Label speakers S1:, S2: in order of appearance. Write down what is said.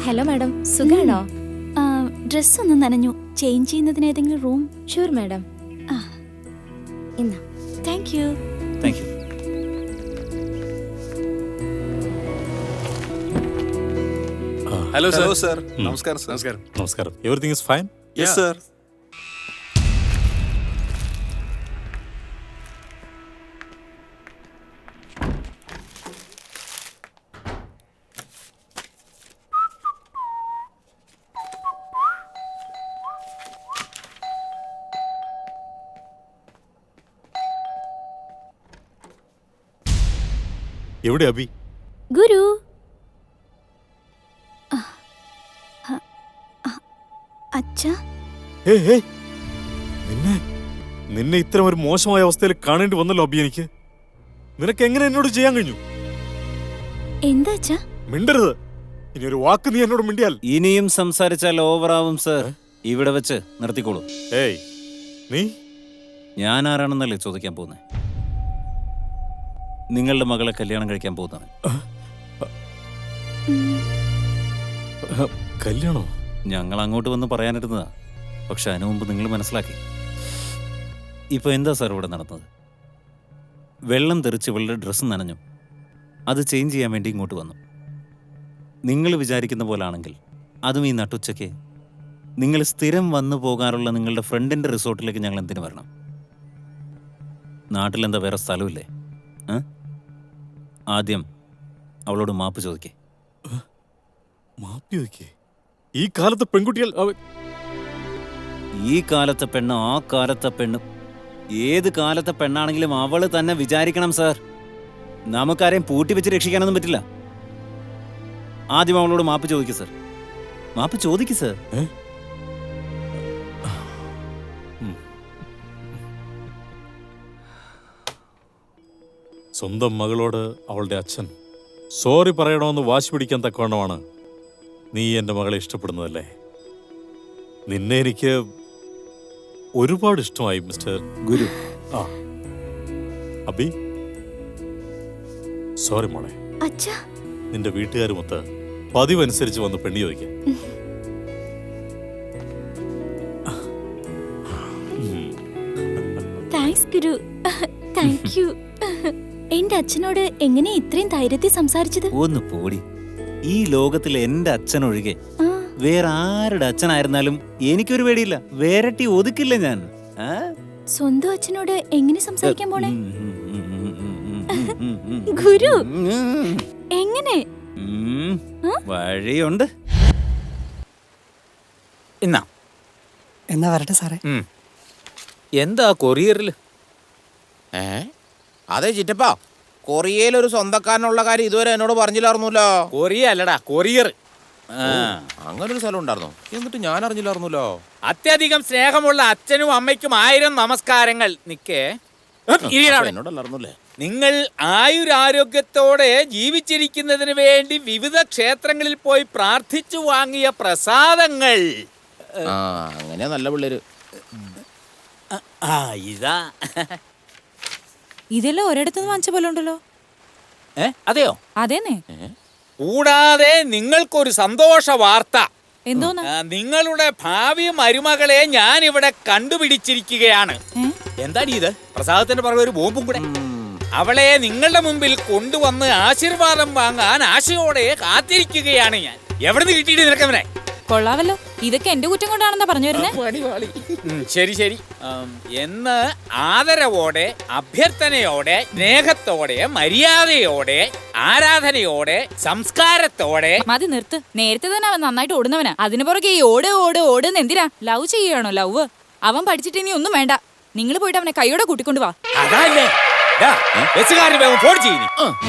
S1: Hello madam, സുഖാണോ?
S2: Dress ഒന്ന് നനഞ്ഞു. ചേഞ്ച് ചെയ്യുന്നതിന് ഏതെങ്കിലും റൂം?
S1: Sure madam. ഇന്നാ.
S2: Thank you.
S3: Thank you.
S4: Hello sir.
S5: Sir നമസ്കാരം സർ.
S4: നമസ്കാരം.
S3: നമസ്കാരം. Everything is fine?
S5: Yes sir.
S3: എവിടെ അബി?
S2: ഗുരു. അച്ഛാ,
S3: നിന്നെ ഇത്തരം ഒരു മോശമായ അവസ്ഥയിൽ കാണേണ്ടി വന്നല്ലോ അബി. എനിക്ക് നിനക്ക് എങ്ങനെ എന്നോട് ചെയ്യാൻ കഴിഞ്ഞു?
S2: എന്താ അച്ഛാ?
S3: മിണ്ടരുത്. ഇനി ഒരു വാക്ക് നീ എന്നോട് മിണ്ടിയാൽ
S6: ഇനിയും സംസാരിച്ചാൽ ഓവറാവും സർ. ഇവിടെ വെച്ച് നിർത്തിക്കോളൂ.
S3: ഏയ്, നീ
S6: ഞാൻ ആരാണെന്നല്ലേ ചോദിക്കാൻ പോകുന്നത്? നിങ്ങളുടെ മകളെ കല്യാണം കഴിക്കാൻ പോകുന്നത്.
S3: കല്യാണോ?
S6: ഞങ്ങൾ അങ്ങോട്ട് വന്ന് പറയാനിരുന്നതാ, പക്ഷെ അതിനു മുമ്പ് നിങ്ങൾ മനസ്സിലാക്കി. ഇപ്പൊ എന്താ സാർ ഇവിടെ നടന്നത്? വെള്ളം തെറിച്ച് ഇവളുടെ ഡ്രസ്സ് നനഞ്ഞു. അത് ചേഞ്ച് ചെയ്യാൻ വേണ്ടി ഇങ്ങോട്ട് വന്നു. നിങ്ങൾ വിചാരിക്കുന്ന പോലാണെങ്കിൽ അതും ഈ നട്ടുച്ചയ്ക്ക് നിങ്ങൾ സ്ഥിരം വന്നു പോകാറുള്ള നിങ്ങളുടെ ഫ്രണ്ടിന്റെ റിസോർട്ടിലേക്ക് ഞങ്ങൾ എന്തിനു വരണം? നാട്ടിലെന്താ വേറെ സ്ഥലമില്ലേ? ആദ്യം അവളോട് മാപ്പ് ചോദിക്കേ.
S3: മാപ്പി ചോദിക്കേ? ഈ കാലത്ത് പെൺകുട്ടികൾ
S6: ഈ കാലത്തെ പെണ്ണ് ആ കാലത്തെ പെണ്ണ് ഏത് കാലത്തെ പെണ്ണാണെങ്കിലും അവള് തന്നെ വിചാരിക്കണം സാർ. നമുക്കാരെയും പൂട്ടി വെച്ച് രക്ഷിക്കാനൊന്നും പറ്റില്ല. ആദ്യം അവളോട് മാപ്പ് ചോദിക്കൂ സാർ. മാപ്പ് ചോദിക്കൂ സാർ.
S3: സ്വന്തം മകളോട് അവളുടെ അച്ഛൻ സോറി പറയണമെന്ന് വാശി പിടിക്കാൻ തക്കവണ്ണമാണ് നീ എൻ്റെ മകളെ ഇഷ്ടപ്പെടുന്നതല്ലേ? നിന്നെ എനിക്ക് ഒരുപാട് ഇഷ്ടമായി മിസ്റ്റർ
S6: ഗുരു.
S3: അബി, സോറി മോളെ.
S2: അച്ഛാ,
S3: നിന്റെ വീട്ടുകാരുമൊത്ത് പതിവനുസരിച്ച് വന്ന് പെണ്ണി ചോദിക്കാം.
S2: താങ്ക്സ് ഗുരു. Thank you. എന്റെ അച്ഛനോട് എങ്ങനെ ഇത്രയും ധൈര്യത്തിൽ സംസാരിച്ചത്?
S6: ഒന്ന് പോടി. ഈ ലോകത്തിൽ എന്റെ അച്ഛനൊഴികെ വേറെ ആരുടെ അച്ഛനായിരുന്നാലും എനിക്കൊരു പേടിയില്ല. വേരട്ടി ഒതുക്കില്ല ഞാൻ.
S2: സ്വന്തം അച്ഛനോട് എങ്ങനെ സംസാരിക്കാൻ പോണേ? ഗുരു, എങ്ങനെ?
S6: വഴിയുണ്ട്.
S7: എന്നാ വരട്ടെ സാറേ.
S6: എന്താ കൊറിയറിൽ?
S8: അതെ ചിറ്റപ്പാ, കൊറിയയിൽ ഒരു സ്വന്തക്കാരനുള്ള കാര്യം ഇതുവരെ എന്നോട് പറഞ്ഞില്ലായിരുന്നല്ലോ.
S6: കൊറിയ അല്ലടാ, കൊറിയർ.
S8: അങ്ങനെ ഒരു സ്ഥലം ഉണ്ടായിരുന്നു, എന്നിട്ട് ഞാൻ അറിഞ്ഞില്ലായിരുന്നല്ലോ.
S9: അത്യധികം സ്നേഹമുള്ള അച്ഛനും അമ്മയ്ക്കും 1000 നമസ്കാരങ്ങൾ.
S8: എന്നോടല്ലായിരുന്നല്ലേ?
S9: നിങ്ങൾ ആയുരാരോഗ്യത്തോടെ ജീവിച്ചിരിക്കുന്നതിന് വേണ്ടി വിവിധ ക്ഷേത്രങ്ങളിൽ പോയി പ്രാർത്ഥിച്ചു വാങ്ങിയ പ്രസാദങ്ങൾ.
S8: അങ്ങനെ നല്ല പിള്ളേര്.
S9: ഇതാ
S10: ഇതെല്ലാം ഒരിടത്തുനിന്ന് വാങ്ങിച്ച പോലെ ഉണ്ടല്ലോ.
S9: അതെയോ?
S10: അതേന്നെ.
S9: കൂടാതെ നിങ്ങൾക്കൊരു സന്തോഷ വാർത്ത.
S10: എന്തോന്നാ?
S9: നിങ്ങളുടെ ഭാവി മരുമകളെ ഞാൻ ഇവിടെ കണ്ടുപിടിച്ചിരിക്കുകയാണ്. എന്താണ് ഇത്? പ്രസാദത്തിന്റെ പുറകെ ഒരു ബോംബും കൂടെ. അവളെ നിങ്ങളുടെ മുമ്പിൽ കൊണ്ടുവന്ന് ആശീർവാദം വാങ്ങാൻ ആശയോടെ കാത്തിരിക്കുകയാണ് ഞാൻ. എവിടെ നിന്ന് കിട്ടിയിട്ട് നിനക്കവനെ?
S10: കൊള്ളാവല്ലോ. ഇതൊക്കെ എന്റെ കുറ്റം കൊണ്ടാണെന്നാ പറഞ്ഞു വരുന്നേ.
S9: ശരി ശരി. എന്ന് ആദരവോടെ, അഭ്യർത്ഥനയോടെ, സ്നേഹത്തോടെ, മര്യാദയോടെ, ആരാധനയോടെ, സംസ്കാരത്തോടെ.
S10: മതി, നിർത്ത്. നേരത്തെ തന്നെ അവൻ നന്നായിട്ട് ഓടുന്നവനാ. അതിന് പുറകെ ഈ ഓട് ഓട് ഓടുന്ന് എന്തിനാ? ലവ് ചെയ്യണോ? ലവ് അവൻ പഠിച്ചിട്ട് ഇനി ഒന്നും വേണ്ട. നിങ്ങൾ പോയിട്ട് അവനെ കൈയോടെ കൂട്ടിക്കൊണ്ടു വാ.
S9: അതല്ലേ ബസ്സുകാരന് ഫോൺ ചെയ്യുന്നു.